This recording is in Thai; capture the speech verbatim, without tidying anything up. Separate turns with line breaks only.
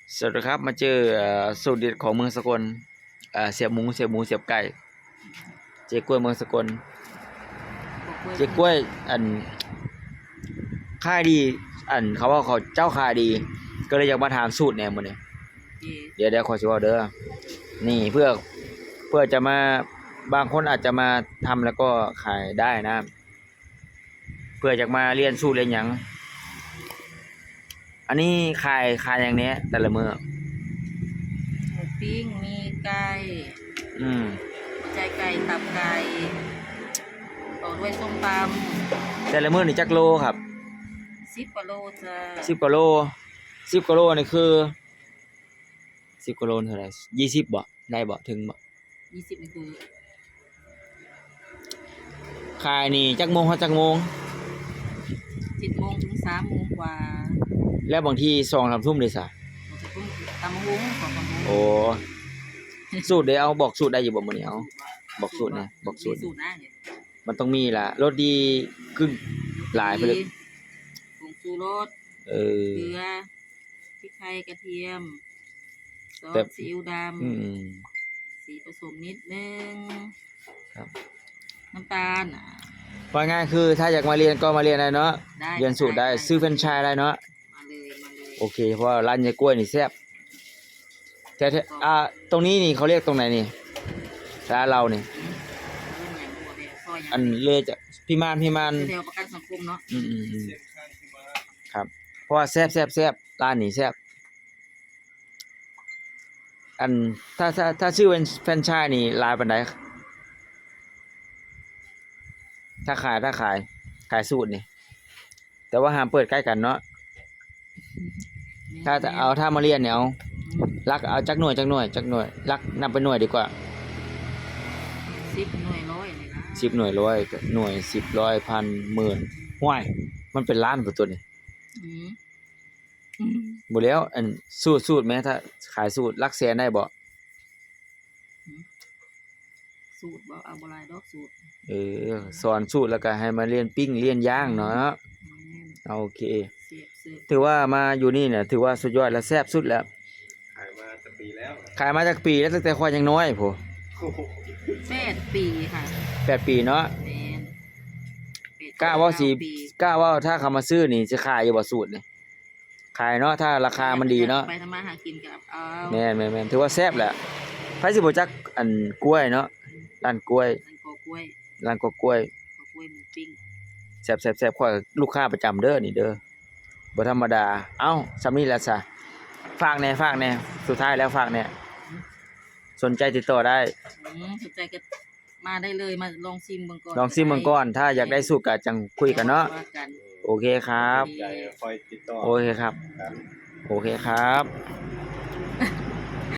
สวัสดีครับมาเจอเอ่อสูตรเด็ดของเมืองสกลเอ่อเสียบหมูเสียบหมูเสียบไก่เจ๊กล้วยเมืองสกลเจ๊กล้วยอันค่ายดีอันเขาว่าเขาเจ้าค่ายดี ก็เลยอยากมาถามสูตรแหนมมื้อนี้เดี๋ยวเดี๋ยวขอสิเว้าเด้อนี่เพื่อเพื่อจะมาบางคนอาจจะมาทำแล้วก็ขายได้นะ เพื่อจะมาเรียนสูตรเรียนหยังอันนี้ขายขายอย่างเนี้ยแต่ละมื้อ
หมูปิ้งมีไก่
อืม
หัวใจไก่ตับไก่ต่อด้วยส้มต
แต่ละมื้อนี่จักโลครับ
ำสิบกว่าโลจ้ะ
สิบกว่าโลสิบกว่าโลนี่คือสิบกว่าโลเท่าไหร่ยี่สิบบ่ได้บ่ถึงบ่
ยี่สิบนี่คือ
ขายนี่จักโมงฮอดจักโมง
เจ็ดโมงถึงสามโมงกว่า
แล้วบางทีสองสามทุ่มเลยซะ
เราจะพุ่งตำมะฮุ้งของตำมะฮุ้ง
โอ้สูตรเด้เอาบอกสูตรได้อยู่บ่มื้อนี้เอาบอกสูตรนะบอกสูตร
สูตรนะเนี่ย
มันต้องมีล่ะรสดีกึ่งหลายไปเลย
ผงชูรส
เออ
เกลือพริกไทยกระเทียมซอสซีอิ๊วดำ
อืม
สีผสมนิดนึง
ครับ
น้ำตาลอ่ะ
ว่าง่ายคือถ้าอยากมาเรียนก็มาเรียนได้เนาะเรียนสูตรได้ซื้อแฟรนไชส์ได้เนาะ
มาเลยมาเลย
โอเคเพราะร้านยายกล้วยนี่แซ่บแต่อ่าตรงนี้นี่เขาเรียกตรงไหนนี่ร้านเรานี่อันเลยจะพี่มานพี่มาน
แถวประกันสังคมเนาะ
อืมๆครับเพราะว่าแซ่บแซ่บแซ่บร้านนี้แซ่บอันถ้าถ้าถ้าชื่อเป็นแฟรนไชส์นี่ลายปานใดถ้าขายถ้าขายขายสูตรนี่แต่ว่าห้ามเปิดใกล้กันเนาะถ้าจะเอาถ้ามาเรียนเนี่ยเอารักเอาจักหน่วยจักหน่วยจักหน่วยรักนับเป็นหน่วยดีกว่า
สิบหน่วยร้อยเลยนะ
สิบหน่วยร้อยหน่วยสิบร้อยพันหมื่นห้วยมันเป็นล้านกว่าตัวนี่บ่แล้วอันสูตรสูตรแม้ถ้าขายสูตรหลักแสนได้บ่
สูตรบ่เอาบ่หลายดอกสูตร
เออสอนสูตรแล้วก็ให้มาเรียนปิ้งเรียนย่างเนาะโอเคถือว่ามาอยู่นี่เนี่ยถือว่าสุดยอดและแซ่บสุดแล้ว
ขายมาจากปีแล้ว
ขายมาจากปีแล้วตั้งแต่ข้อยยังน้อยโพ
แปดปีค่ะ
แปดปีเนาะกล้าว่าสิกล้าว่าถ้าเขามาซื้อนี่จะขายอยู่บ่สูตรนี่ขายเนาะถ้าราคามันดีเนาะ
ไปทำมาหากินกับเอา
แม่นๆๆถือว่าแซ่บแหละไผสิบ่จักอันกล้วยเนาะร้านกล้วย
ร้านกอกล้วย
ร้านกอกล้วย
กอกล้วยหมูปิ้ง
แซ่บๆๆข้อยลูกค้าประจำเด้อนี่เด้อบ่ธรรมดาเอ้าซำนี้แหละซะฝากแน่ฝากแน่สุดท้ายแล้วฝากแน่สนใจติดต่อได้
อืมสนใจก็มาได้เลยมาลองชิมเบิ่งก่อน
ลองชิมเบิ่งก่อนถ้าอยากได้สูตรก็จังคุยกันเนาะโอเคครับโอเคครับโอเคครับ